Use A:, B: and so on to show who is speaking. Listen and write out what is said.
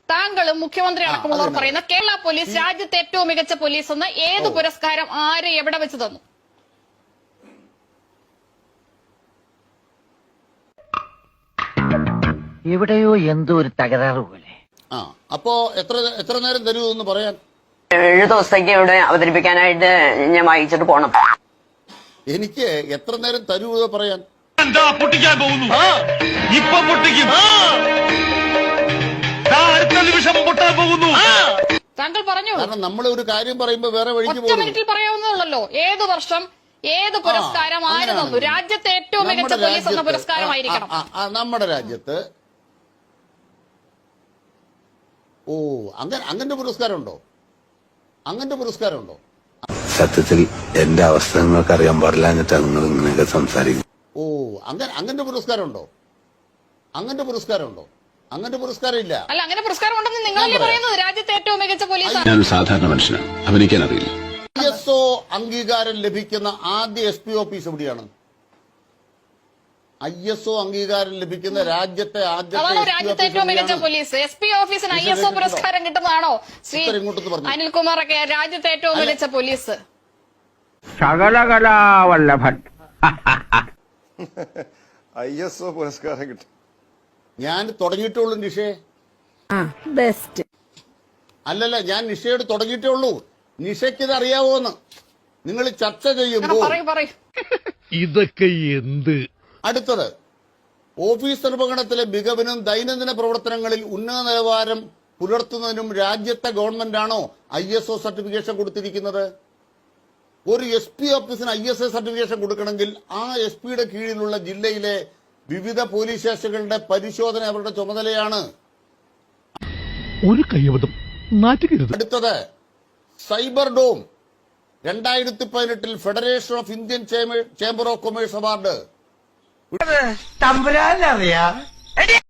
A: താങ്കളും മുഖ്യമന്ത്രി അടക്കമുള്ളവർ പറയുന്ന കേരള പോലീസ് രാജ്യത്തെ ഏറ്റവും മികച്ച പോലീസ് എന്ന് ഏത് പുരസ്കാരം ആര് എവിടെ വെച്ച് തന്നു?
B: എവിടെയോ എന്തോ ഒരു തകരാറ് പോലെ.
C: അപ്പോ എത്ര നേരം തരൂ എന്ന് പറയാൻ?
D: 7 ദിവസത്തേക്ക് ഇവിടെ അവതരിപ്പിക്കാനായിട്ട് ഞാൻ വായിച്ചിട്ട് പോണം.
C: എനിക്ക് എത്ര നേരം തരൂ എന്ന് പറയാൻ?
E: എന്താ പൊട്ടിക്കാൻ പോകുന്നു? ഇപ്പൊ പൊട്ടിക്കും. അടുത്ത നിമിഷം പൊട്ടാൻ പോകുന്നു.
A: താങ്കൾ പറഞ്ഞു.
C: കാരണം നമ്മൾ ഒരു കാര്യം പറയുമ്പോ വേറെ വഴിക്ക്
A: ഒറ്റ മിനിറ്റിൽ പറയാവുന്നതല്ലോ. ഏത് വർഷം ഏത് പുരസ്കാരം ആര് തന്നു? രാജ്യത്തെ ഏറ്റവും മികച്ച പോലീസ് എന്ന പുരസ്കാരമായിരിക്കണം.
C: നമ്മുടെ രാജ്യത്ത് അങ്ങനത്തെ പുരസ്കാരമുണ്ടോ? അങ്ങനത്തെ പുരസ്കാരമുണ്ടോ?
F: സത്യത്തിൽ എന്റെ അവസ്ഥ നിങ്ങൾക്ക് അറിയാൻ പാടില്ല എന്നിട്ടാണ് നിങ്ങൾ ഇങ്ങനെയൊക്കെ സംസാരിക്കും.
C: അങ്ങനത്തെ പുരസ്കാരമുണ്ടോ? അങ്ങനത്തെ പുരസ്കാരമുണ്ടോ? അങ്ങനത്തെ പുരസ്കാരം ഇല്ല.
A: അല്ല, അങ്ങനെ പുരസ്കാരം ഉണ്ടെന്ന് നിങ്ങളല്ലേ പറയുന്നത്? രാജ്യത്തെ ഏറ്റവും മികച്ച പോലീസ്.
F: ഞാൻ സാധാരണ മനുഷ്യനാണ്, അഭിനയിക്കാൻ അറിയില്ല.
C: ISO അംഗീകാരം ലഭിക്കുന്ന ആദ്യ SP ഓഫീസ് എവിടെയാണ്? ISO അംഗീകാരം ലഭിക്കുന്ന രാജ്യത്തെ
A: രാജ്യത്തെ ഏറ്റവും മികച്ച പോലീസ്. SP ഓഫീസിന് ISO പുരസ്കാരം കിട്ടുന്നതാണോ ശ്രീ അനിൽകുമാർ ഒക്കെ? രാജ്യത്തെ ഏറ്റവും മികച്ച പോലീസ്
B: ശകലകലാവല്ലഭൻ
G: ISO പുരസ്കാരം കിട്ടും.
C: ഞാൻ തുടങ്ങിയിട്ടേ ഉള്ളൂ നിഷേ.
H: ബെസ്റ്റ്.
C: അല്ലല്ല, ഞാൻ നിഷയോട് തുടങ്ങിയിട്ടേ ഉള്ളൂ. നിഷയ്ക്ക് ഇത് അറിയാവോന്ന് നിങ്ങൾ ചർച്ച ചെയ്യുമ്പോൾ
E: ഇതൊക്കെ എന്ത്?
C: അടുത്തത്, ഓഫീസ് നിർവഹണത്തിലെ മികവിനും ദൈനംദിന പ്രവർത്തനങ്ങളിൽ ഉന്നത നിലവാരം പുലർത്തുന്നതിനും രാജ്യത്തെ ഗവൺമെന്റാണോ ISO സർട്ടിഫിക്കേഷൻ കൊടുത്തിരിക്കുന്നത്? ഒരു SP ഓഫീസിന് ISO സർട്ടിഫിക്കേഷൻ കൊടുക്കണമെങ്കിൽ ആ SP-യുടെ കീഴിലുള്ള ജില്ലയിലെ വിവിധ പോലീസ് സ്റ്റേഷനുകളുടെ പരിശോധന അവരുടെ ചുമതലയാണ്.
E: ഒരു കൈവതം നാറ്റുകരുത്.
C: അടുത്തത്, cyber dome 2018 federation of Indian chamber of commerce award.